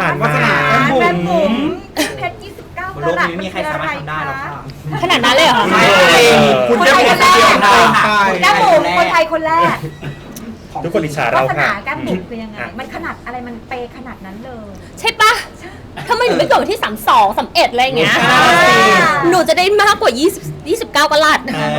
านวาสนาแก้มบุ๋แม่มบุ๋มเพชร29 บนกโลกรัตนี้มีใครสามารถทำได้หรอกค่ะขนาดนั้นเลยเหรอคะไม่คุณแก้มบุ๋มคนเดียวค่ะแก้มบุ๋มคนไทยคนแรกทุกคนอิจฉาวาเราสนาค่ะแก้มบุ๋มคือยังไงมันขนาดอะไรมันเปย์ขนาดนั้นเลยใช่ปะทำไมหนูไม่เกิดวันที่32 31อะไรอย่างเงี้ย หนูจะได้มากกว่า20 29กะลัด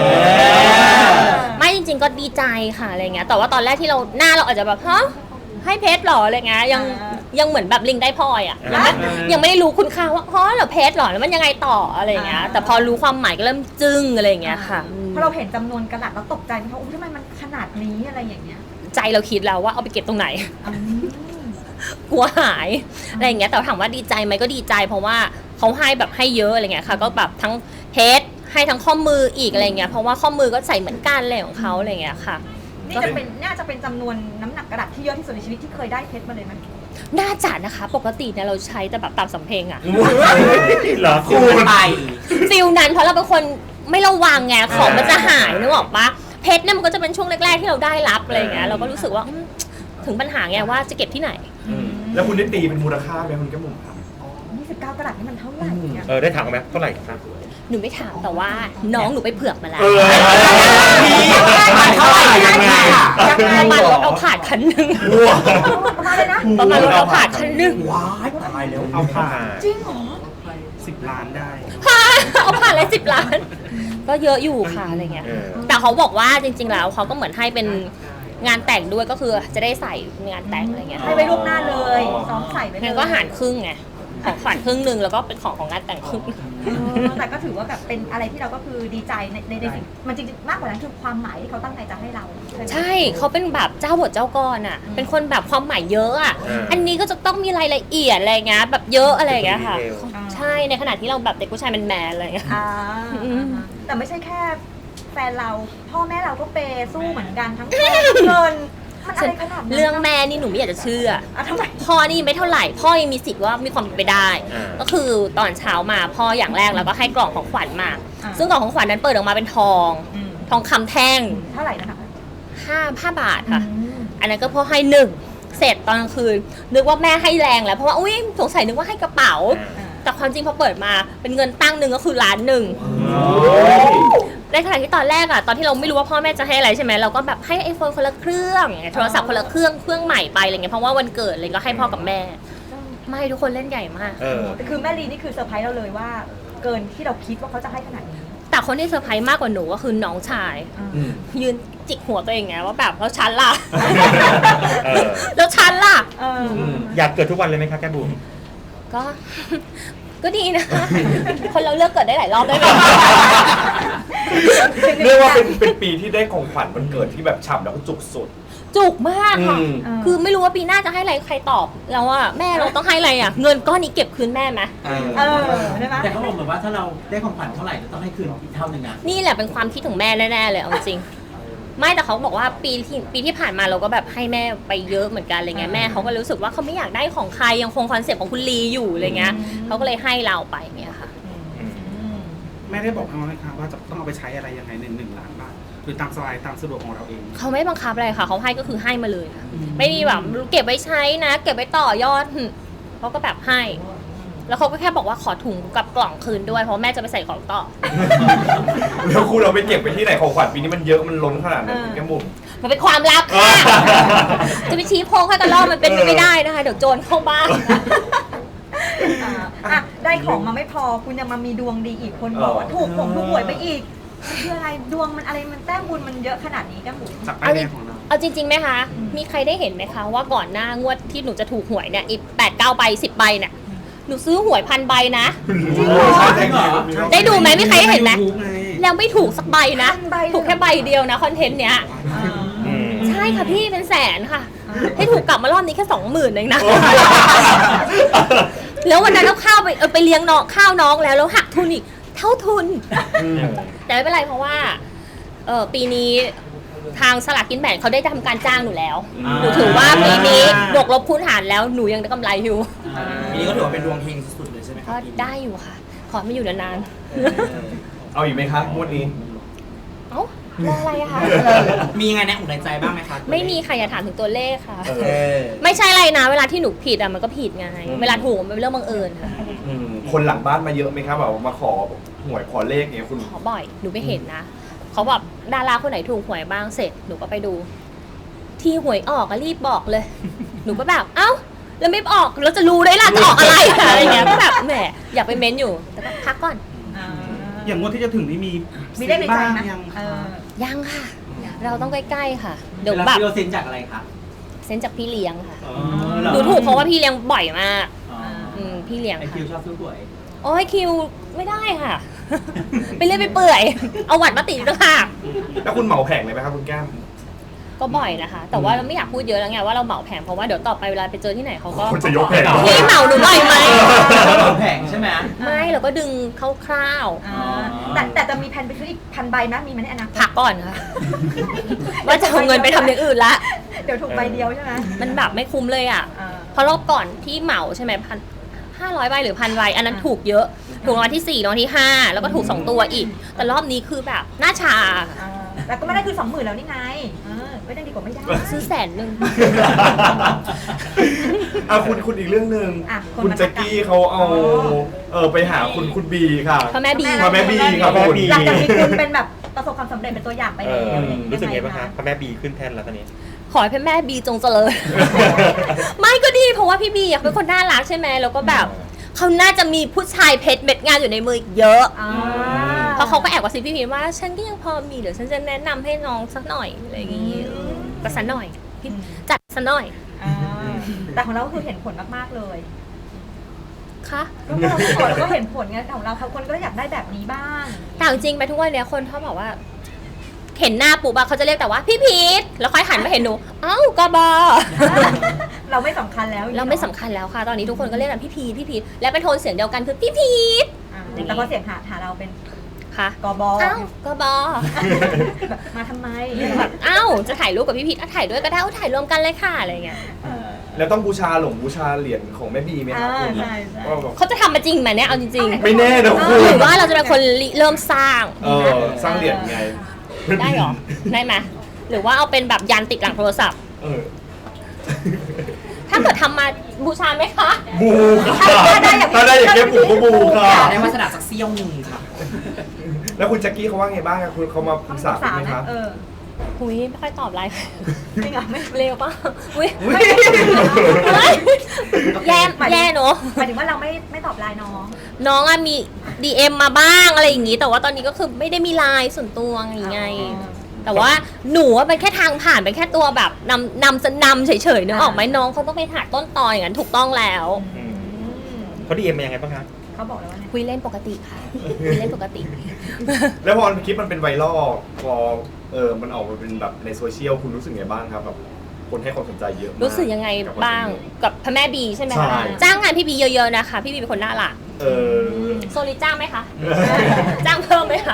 ไม่จริงๆก็ดีใจค่ะอะไรเงี้ยแต่ว่าตอนแรกที่เราหน้าเราอาจจะแบบฮะให้เพชรหรออะไรเงี้ยยังเหมือนแบบลิงได้พลอยอ่ะยังไม่ได้รู้คุณค่าว่าฮะเหรอเพชรหรอแล้วมันยังไงต่ออะไรเงี้ยแต่พอรู้ความหมายก็เริ่มจึ้งอะไรเงี้ยค่ะพอเราเห็นจำนวนกรัตเราตกใจไหมคะอุ้ยทำไมมันขนาดนี้อะไรอย่างเงี้ยใจเราคิดแล้วว่าเอาไปเก็บตรงไหน กลัวหายอะไรอย่างเงี้ยแต่ถามว่าดีใจไหมก็ดีใจเพราะว่าเขาให้แบบให้เยอะอะไรเงี้ยค่ะก็แบบทั้งเพชรให้ทั้งข้อมืออีกอะไรเงี้ยเพราะว่าข้อมือก็ใส่เหมือนกันอะไรของเขาอะไรเงี้ยค่ะน่าจะเป็นจำนวนน้ำหนักกระดาษที่เยอะที่สุดในชีวิตที่เคยได้เพชรมาเลยไหมน่าจะนะคะปกติเนี่ยเราใช้แต่แบบตามสำเพ็งอะเหรอคูณไปฟิลนั้นเพราะเราเป็นคนไม่ระวังไงของมันจะหายนึกออกปะเพชรเนี่ยมันก็จะเป็นช่วงแรกๆที่เราได้รับอะไรเงี้ยเราก็รู้สึกว่าถึงปัญหาไงว่าจะเก็บที่ไหนแล้วคุณได้ตีเป็นมูลค่าไหมคุณแก้มบุ๋มครับ 29 กรัตนี่มันเท่าไหร่เนี่ยได้ถามไหมเท่าไหร่ครับหนูไม่ถามแต่ว่าน้องหนูไปเผือกมาแล้วมันเท่าไหร่ยังไงประมาณรถเอาผาดคันหนึ่งมาเลยนะประมาณรถเอาผาดคันหนึ่งว้ายตายแล้วเอาผ่านจริงเหรอ 10 ล้านได้เอาผ่านเลย10 ล้าน ก็เยอะอยู่ค่ะอะไรเงี้ย แต่เขาบอกว่าจริงๆแล้วเขาก็เหมือนให้เป็นงานแต่งด้วยก็คือจะได้ใส่งานแต่งอะไรเงี้ยให้ไว้ล่วงหน้าเลยซ้อมใส่ไปเลยงั้นก็หารครึ่งไงของขวัญครึ่งหนึ่งแล้วก็เป็นของงานแต่งครึ่งแต่ก็ถือว่าแบบเป็นอะไรที่เราก็คือดีใจในสิ่งมันจริงๆมากกว่านั้นคือความหมายที่เขาตั้งใจจะให้เราใช่เขาเป็นแบบเจ้าบทเจ้ากรอ่ะเป็นคนแบบความหมายเยอะอ่ะอันนี้ก็จะต้องมีรายละเอียดอะไรเงี้ยแบบเยอะอะไรเงี้ยค่ะใช่ในขณะที่เราแบบเด็กผู้ชายแมนๆอะไรเงี้ยแต่ไม่ใช่แค่แฟนเราพ่อแม่เราก็เปย์สู้เหมือนกันทั้งทองทั้งเงินมันอะไรขนาดนั้นเรื่องแม่นี่หนูไม่อยากจะเชื่อทำไมพ่อนี่ไม่เท่าไหร่พ่อยังมีสิทธิ์ว่ามีความเป็นไปได้ ก็คือตอนเช้ามาพ่ออย่างแรกแล้วก็ให้กล่องของขวัญมา ซึ่งกล่องของขวัญนั้นเปิดออกมาเป็นทองคำแท่งเท่าไหร่นะคะ 5 บาทค่ะอันนั้นก็พ่อให้หนึ่งเสร็จตอนกลางคืนนึกว่าแม่ให้แรงแล้วเพราะว่าอุ้ยสงสัยนึกว่าให้กระเป๋าแต่ความจริงพอเปิดมาเป็นเงินตั้งหนึ่งก็คือ1 ล้าน ในขณะที่ตอนแรกอะตอนที่เราไม่รู้ว่าพ่อแม่จะให้อะไรใช่ไหมเราก็แบบให้ไอโฟนคนละเครื่องโทรศัพท์คนละเครื่องใหม่ไปอะไรเงี้ยเพราะว่าวันเกิดอะไรก็ให้พ่อกับแม่ไม่ทุกคนเล่นใหญ่มากคือแม่ลีนี่คือเซอร์ไพรส์เราเลยว่าเกินที่เราคิดว่าเขาจะให้ขนาดนี้แต่คนที่เซอร์ไพรส์มากกว่าหนูก็คือน้องชายยืนจิกหัวตัวเองไงว่าแบบแล้วฉันล่ะแล้วฉันล่ะอยากเกิดทุกวันเลยไหมคะแก้มบุ๋มก็ ก็ดีนะ คนเราเลือกเกิดได้หลายรอบได้ไหมเรียกว่าเป็นปีที่ได้ของขวัญวันเกิดที่แบบฉ่ำแล้วก็จุกสุดจุกมากค่ะคือไม่รู้ว่าปีหน้าจะให้อะไรใครตอบแล้วว่าแม่เราต้องให้อะไรอ่ะเงินก้อนนี้เก็บคืนแม่ไหมได้ไหมแต่เขาบอกเหมือนว่าถ้าเราได้ของขวัญเท่าไหร่จะต้องให้คืนอีกเท่านึงนะนี่แหละเป็นความคิดของแม่แน่ๆเลยเอาจริงไม่แต่เขาบอกว่าปีที่ผ่านมาเราก็แบบให้แม่ไปเยอะเหมือนกันอะไรเงี้ยแม่เขาก็รู้สึกว่าเขาไม่อยากได้ของใครยังคงคอนเซ็ปต์ของคุณลีอยู่อะไรเงี้ยเขาก็เลยให้เราไปเงี้ยค่ะแม่ได้บอกเขาไหมคะว่าจะต้องเอาไปใช้อะไรยังไงใน1 ล้านบาทหรือตามสบายตามสะดวกของเราเองเขาไม่บังคับอะไรค่ะเขาให้ก็คือให้มาเลยค่ะไม่มีแบบเก็บไว้ใช้นะ เก็บไว้ต่อยอดเขาก็แบบให้ แล้วเขาก็แค่บอกว่าขอถุงกับกล่องคืนด้วยเพราะแม่จะไปใส่ของต่อแล้วคุณเราไปเก็บไปที่ไหนของขวัญปีนี้มันเยอะมันล้นขนาดนั้นคุณแก้มบุ๋มมันเป็นความลับค่ะ จะไปชี้โพงให้กันรอบมันเป็นไปไม่ได้นะคะเดี๋ยวโจรเข้าบ้านได้ของมาไม่พอคุณยังมามีดวงดีอีกคนบอกว่าถูกหวยไปอีกคืออะไรดวงมันอะไรมันแต้มบุญมันเยอะขนาดนี้แก้มบุ๋มจากป้ายแดงของเราเอาจริงๆไหมคะ มีใครได้เห็นไหมคะว่าก่อนหน้างวดที่หนูจะถูกหวยเนี่ยอีก8-9 ใบ 10 ใบเนี่ยหนูซื้อหวย1,000 ใบนะ ได้ดูไหมมีใครเห็นไหมแล้วไม่ถูกสักใบนะ ถูกแค่ใบเดียวนะคอนเทนต์เนี้ยใช่ค่ะพี่เป็นแสนค่ะ ให้ถูกกลับมารอบนี้แค่ 20,000เองนะ แล้ววันนั้นเอาข้าวไปเลี้ยงน้องข้าวน้องแล้วหักทุนอีกเท่าทุน แต่ไม่เป็นไรเพราะว่าปีนี้ทางสลากกินแบ่งเขาได้ทำการจ้างหนูแล้วหนูถือว่าปีนี้บวกลบคูณหารแล้วหนูยังได้กำไรอยู่ปีนี้ก็ถือว่าเป็นดวงเฮงสุดๆเลยใช่ไหมคก็รับได้อยู่ค่ะ ขอไม่อยู่นานเอาอีกไหมคะงวดนี้ๆเอ้ามองอะไรอะคะมียังไงในอกในใจบ้างไหมคะไม่มีใครอย่าถามถึงตัวเลขค่ะเอเออไม่ใช่อะไรนะ เวลาที่หนูผิดอะมันก็ผิดไง เวลาถูกมันเป็นเรื่องบังเอิญค่ะคนหลังบ้านมาเยอะไหมครับแบบมาขอหวยขอเลขเนี่ยคุณขอบ่อย หนูไปเห็นนะ เขาแบบดาราคนไหนถูกหวยบ้างเสร็จ หนูก็ไปดู ที่หวยออกก็รีบบอกเลย หนูก็แบบ เอ้า แล้วไม่ออก แล้วจะรู้ได้ล่ะจะออกอะไรอะไรเงี้ย ก็แบบแหมอยากไปเม้นอยู่ แต่ก็พักก่อนอย่างงวดที่จะถึงนี่มีมีได้ในใจบ้างไหมยังเอคะอยังค่ะ เราต้องใกล้ๆค่ะ เดี๋ยวแล้วแบบพี่โรเซนจากอะไรคะเซนจากพี่เลี้ยงค่ะอ๋อหนูถูกเพราะว่าพี่เลี้ยงบ่อยมากอ๋อพี่เลี้ยงไอค่ะคิวชอบซื้อหวยโอ้ยคิวไม่ได้ค่ะ ไปเรื่อยไปเปื่อย เอาหวัดมาติดด้วยค่ะแล้วคุณเหมาแผงเลยไหมครับคุณแก้มก็บ่อยนะคะ แต่ว่าเราไม่อยากพูดเยอะแล้วไงว่าเราเหมาแผงเพราะว่าเดี๋ยวต่อไปเวลาไปเจอที่ไหนเขาก็คุณจะยกแผงพี่เหมาหนูหน่อยไหมแผงใช่ไหมไม่เราก็ดึงคร่าวแต่จะมีแผนไปซื้ออีก1,000 ใบนะมีไหมในอนาคตๆพักก่อนค่ะ ว่าจะเอาเงินไปทำอย่างอื่นละเดี๋ยวถูกใบเดียวใช่ไหมมันแบบไม่คุ้มเลยอ่ะอ่าเพราะรอบก่อนที่เหมาใช่ไหม500 ใบหรือ 1,000 ใบอันนั้นถูกเยอะ ถูกรางวัลที่ 4รางวัลที่ 5 แล้วก็ถูก 2 ตัวอีก แต่รอบนี้คือแบบหน้าชาแต่ก็ไม่ได้คือ 20,000แล้วนี่ไงไม่ได้ดีกว่าไม่ได้ซื้อ100,000 คุณอีกเรื่องหนึ่งอ่ะคนคุณมาแจ็คกี้เขาเอาอ๋อไปหาคุณบีค่ะพ่อแม่บีพ่อแม่บีครับพ่อแม่คุณบีหลังจากที่คุณเป็นแบบประสบความสำเร็จเป็นตัวอย่างไปเอแล้วอรู้สึกไงบ้างคะพระแม่บีขึ้นแท่นแล้วตอนนี้ขอให้พ่อแม่บีจงเจริญ ไม่ก็ดีเพราะว่าพี่บีอยากเป็นคนน่ารักใช่ไหมแล้วก็แบบเขาน่าจะมีผู้ชายเพชรเม็ดงานอยู่ในมืออีกเยอะ เพราะเขาก็แอบกระซิบพี่พีชว่าฉันก็ยังพอมีเดี๋ยวฉันจะแนะนำให้น้องสักหน่อยอะไรอย่างงี้ก็สักหน่อยพี่จัดสักหน่อยแต่ของเราคือเห็นผลมากๆเลยค่ะก็เราขอแล้วก็เห็นผลไงของเราคนก็อยากได้แบบนี้บ้างแต่จริงๆไปทุกวันเนี้ยคนเขาบอกว่า เห็นหน้าปุ๊บอะเขาจะเรียกแต่ว่าพี่พีชแล้วค่อยหันมาเห็นหนูเอ้ากบอเราไม่สำคัญแล้วเราไม่สำคัญแล้วค่ะ ตอนนี้ทุกคนก็เรียกกันพี่พีชพี่พีชและเป็นโทนเสียงเดียวกันคือพี่พีชแต่พอเสียงหาเราเป็นค่ะกบเอ้ากบอแบบมาทำไมแบบเอ้าจะถ่ายรูปกับพี่พีชถ่ายด้วยก็ได้ถ่ายรวมกันเลยค่ะอะไรเงี้ยแล้วต้องบูชาเหรียญของแม่บีไหมครับคุณใช่ว่าแบบเขาจะทำมาจริงไหมเนี่ยเอาจริงไม่แน่นะคุณหรือว่าเราจะเป็นคนริเริ่มสร้างสร้างเหรียญไงได้เหรอ ได้ไหมหรือว่าเอาเป็นแบบยันติดหลังโทรศัพท์เออถ้าเกิดทำมาบูชาไหมคะบูค่ะถ้าได้อย่างแก้มบุ๋มก็บูค่ะได้วาสนาสักเซี่ยวหนึ่งค่ะแล้วคุณแจ็คกี้เขาว่าไงบ้างครับคุณเขามาปรึกษาคุณไหมครับหุยไม่ค่อยตอบไลน์จริงเหรอไม่เร็วปะอุ้ยอุ๊ยแย่เนอะหมายถึงว่าเราไม่ตอบไลน์น้องน้องอะมี DM มาบ้างอะไรอย่างงี้ แต่ว่าตอนนี้ก็คือไม่ได้มีไลน์ส่วนตัวไง แต่ว่าหนูว่าเป็นแค่ทางผ่านเป็นแค่ตัวแบบนำเฉยๆนึกออกไหมน้องเขาต้องไปหาต้นตออย่างนั้นถูกต้องแล้วเขาดีเอ็มมายังไงบ้างคะเขาบอกแล้วว่าไงคุยเล่นปกติค่ะคุยเล่นปกติแล้วพอคลิปมันเป็นไวรัลพอมันออกมาเป็นแบบในโซเชียลคุณรู้สึกไงบ้างครับแบบคนให้ความสนใจเยอะมากรู้สึกยังไงบ้างกับพระแม่บีใช่ไหมใช่คะจ้างงานพี่บีเยอะๆนะคะพี่บีเป็นคนน่ารักเออโซลิจ้างไหมคะ จ้างเพิ่มไหมคะ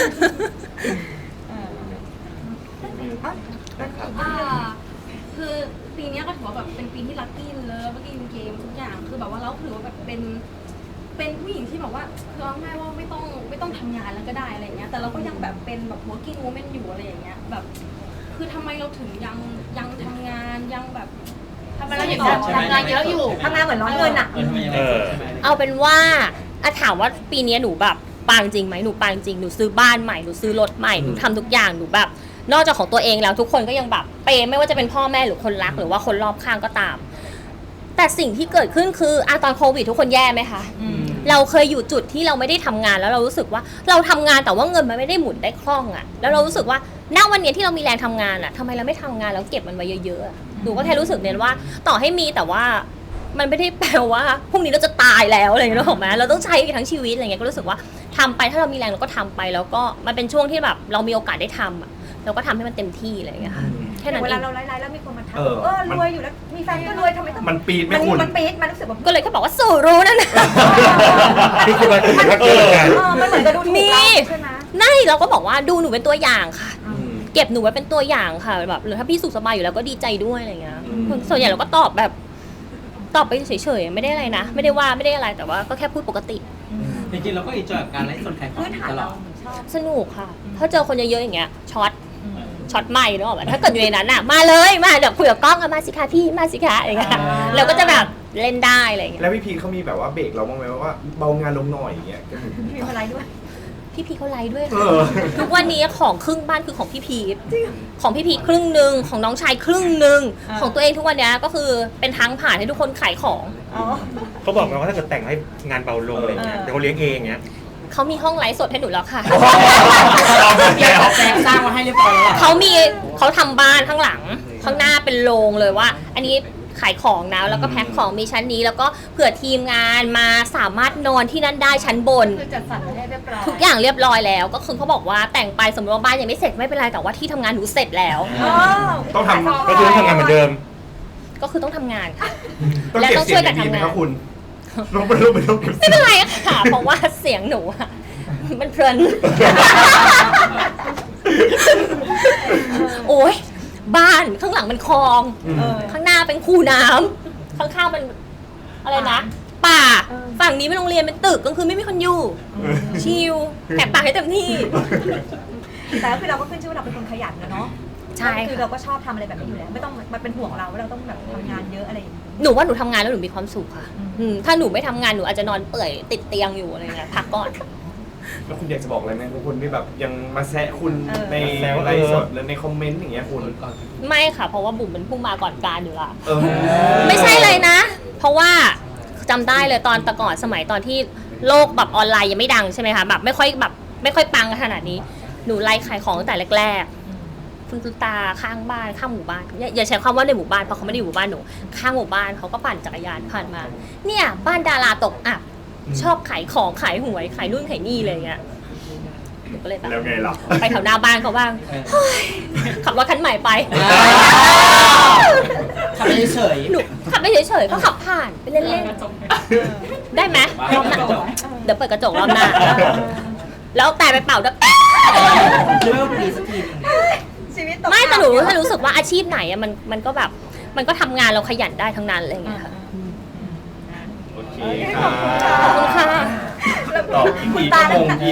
คือปีเนี้ยก็ถือว่าแบบเป็นปีที่ลัคกี้เลยเมื่อกี้เกมทุกอย่างคือแบบว่าเราถือว่าแบบเป็นผู้หญิงที่แบบว่าคือเอาง่ายว่าไม่ต้องทำงานแล้วก็ได้อะไรเงี้ยแต่เราก็ยังแบบเป็นแบบ working woman อยู่อะไรอย่างเงี้ยแบบคือทำไมเราถึงยังทำงานยังแบบทำไมเรายังทำงานเยอะอยู่ทำงานเหมือนร้อนเงินอ่ะเอาเป็นว่าถามว่าปีนี้หนูแบบปังจริงไหมหนูปังจริงหนูซื้อบ้านใหม่หนูซื้อรถใหม่หนูทำทุกอย่างหนูแบบนอกจากของตัวเองแล้วทุกคนก็ยังแบบเปย์ไม่ว่าจะเป็นพ่อแม่หรือคนรักหรือว่าคนรอบข้างก็ตาม แต่สิ่งที่เกิดขึ้นคือตอนโควิดทุกคนแย่ไหมคะเราเคยอยู่จุดที่เราไม่ได้ทำงานแล้วเรารู้สึกว่าเราทำงานแต่ว่าเงินมันไม่ได้หมุนได้คล่องอะแล้วเรารู้สึกว่าณวันนี้ที่เรามีแรงทำงานอะทำไมเราไม่ทำงานแล้วเก็บมันไว้เยอะๆหนูก็แค่รู้สึกเนี่ยว่าต่อให้มีแต่ว่ามันไม่ได้แปลว่าพรุ่งนี้เราจะตายแล้วอะไรอย่างเงี้ยหรอกไหมเราต้องใช้ทั้งชีวิตอะไรเงี้ยก็รู้สึกว่าทำไปถ้าเรามีแรงเราก็ทำไปแล้วก็มันเป็นช่วงที่แบบเรามีโอกาสได้ทำอะเราก็ทำให้มันเต็มที่อะไรอย่างเงี้ยค่ะแค่นั้นเวเอลาง เราไลฟ์แล้วมีคนมาทักเออรวยอยู่แล้วมีแฟนก็รวยทำไมต้องมันปีดไหมคุณมันปี๊ดมันรู้สึกแบบก็เลยก็บอกว่าสู่รู้นั่นนะนี่คือมันคือว่าเกิดกันมันเหมือนกับดูถูกเราใช่ไหมนั่นเราก็บอกว่าดูหนูเป็นตัวอย่างค่ะ เก็บหนูไว้เป็นตัวอย่างค่ะแบบหรือถ้าพี่สุขสบายอยู่แล้วก็ดีใจด้วยอะไรเงี้ยส่วนใหญ่เราก็ตอบไปเฉยๆไม่ได้อะไรนะไม่ได้ว่าไม่ได้อะไรแต่ว่าก็แค่พูดปกติจริงๆเราก็อินจอยกับการไลฟ์สดขายของพื้นฐานตลเราอดชอบสนุกค่ะถ้าเจอคนเยอะๆอย่างเงี้ยช็อตใหม่เนอะถ้าเกิดอยู่ในนั้นอ่ะมาเลยมาเดี๋ยวคุยกับกล้องอะมาสิคะพี่มาสิคะอย่างเงี้ยเราก็จะแบบเล่นได้อะไรอย่างเงี้ยแล้วพี่พีเขามีแบบว่าเบรกเราบ้างไหมว่าเบางานลงหน่อยอย่างเงี้ยมีอะไรด้วยพี่เขาไลฟ์ด้วยเอค่ะอทุกวันนี้ของครึ่งบ้านคือของพี่พีทของพี่พีทครึ่งหนึ่งของน้องชายครึ่งหนึ่งอ่าของตัวเองทุกวันนี้ก็คือเป็นทางผ่านให้ทุกคนขายของอ๋อเขาบอกมาว่าถ้าเกิดแต่งให้งานเบาลงอะไรเงี้ยเออเดี๋ยวเขาเลี้ยงเองเงี้ยเขามีห้องไลฟ์สดให้หนูแล้วค่ะเดี๋ยวแจงสร้างมาให้เรียบร้อยแล้วเหรอเขาทำบ้านข้างหลังข้างหน้าเป็นโรงเลยว่า อันนี้ขายของนะแล้วก็แพ็คของมีชั้นนี้ แล้วก็เผื่อทีมงานมาสามารถนอนที่นั่นได้ชั้นบนคือจัดสรรให้เรียบร้อยทุกอย่างเรียบร้อยแล้ว ก็คือเขาบอกว่าแต่งไปสมมติว่าบ้านยังไม่เสร็จไม่เป็นไรแต่ว่าที่ทำงานหนูเสร็จแล้วอ๋อต้องทำก็คือต้องทำงานเหมือนเดิมก็คือต้องทำงานค่ะต้องและเก็บต้องเสีช่ยวยงกันดีทำไหมงานครับคุณน้องเป็นลูกเป็นลูกเก็บเสีไม่ยงเป็นไรค่ะ เพราะว่าเสียงหนูอะมันเพลิน โอ้ยบ้านข้างหลังเป็นคลองเออข้างหน้าเป็นคูน้ำข้างๆเป็นอะไรนะป่าเออฝั่งนี้เป็นโรงเรียนเป็นตึกกลางคืนไม่มีคนอยู่ชิลแหกปากให้เต็มที่แต่ก็คือเราก็ขึ้นชื่อว่าเราเป็นคนขยันนะเนาะใช่คือค่ะเราก็ชอบทำอะไรแบบนี้อยู่แล้วไม่ต้องมันเป็นห่วงเราว่าเราต้องแบบทำงานเยอะอะไรอย่างนี้หนูว่าหนูทำงานแล้วหนูมีความสุขค่ะอืมถ้าหนูไม่ทำงานหนูอาจจะนอนเปื่อยติดเตียงอยู่อะไรเงี้ยพักก่อนแล้วคุณอยากจะบอกอะไรไหมทุกคนที่แบบยังมาแซะคุณเออในแซวไลฟ์สดหรือในคอมเมนต์อย่างเงี้ยคุณไม่ค่ะ เพราะว่าบุ๋มเป็นผู้มาก่อนการอยู่ละเออไม่ใช่เลยนะ เพราะว่าจำได้เลยตอนแต่ก่อนสมัยตอนที่โลกแบบออนไลน์ยังไม่ดังใช่ไหมคะแบบไม่ค่อยปังขนาดนี้หนูไลฟ์ขายของตั้งแต่แรกๆคุณตาข้างบ้านข้างหมู่บ้านอย่าใช้คำว่าในหมู่บ้านเพราะเขาไม่ได้อยู่หมู่บ้านหนูข้างหมู่บ้านเขาก็ปั่นจักรยานผ่านมา เนี่ยบ้านดาราตกอับชอบขายของขายหวยขายนู่นขายนี่อะไรเงี้ยหนูก็เลยแบบแล้วไงล่ะไปแถวหน้าบ้านเขาบ้างเฮ้ยขับรถคันใหม่ไปทำไปเฉยหนูขับไปเฉยๆก็ขับผ่านไปเล่นๆได้ไหมรอบหน้าเดี๋ยวเปิดกระจกรอบหน้าแล้วแต่ไปเป่าด้วยเริ่มดีสักทีหนึงชีวิตตกไม่แต่หนูต่ำถ้ารู้สึกว่าอาชีพไหนอะมันก็แบบมันก็ทำงานเราขยันได้ทั้งนั้นอะไรอย่างเงี้ยค่ะโอเคโอเคคขรัอบคุณค่ะขอบคุณค่ะตอบอีกคุณกี่ตาชั่วโมงตั้งแต่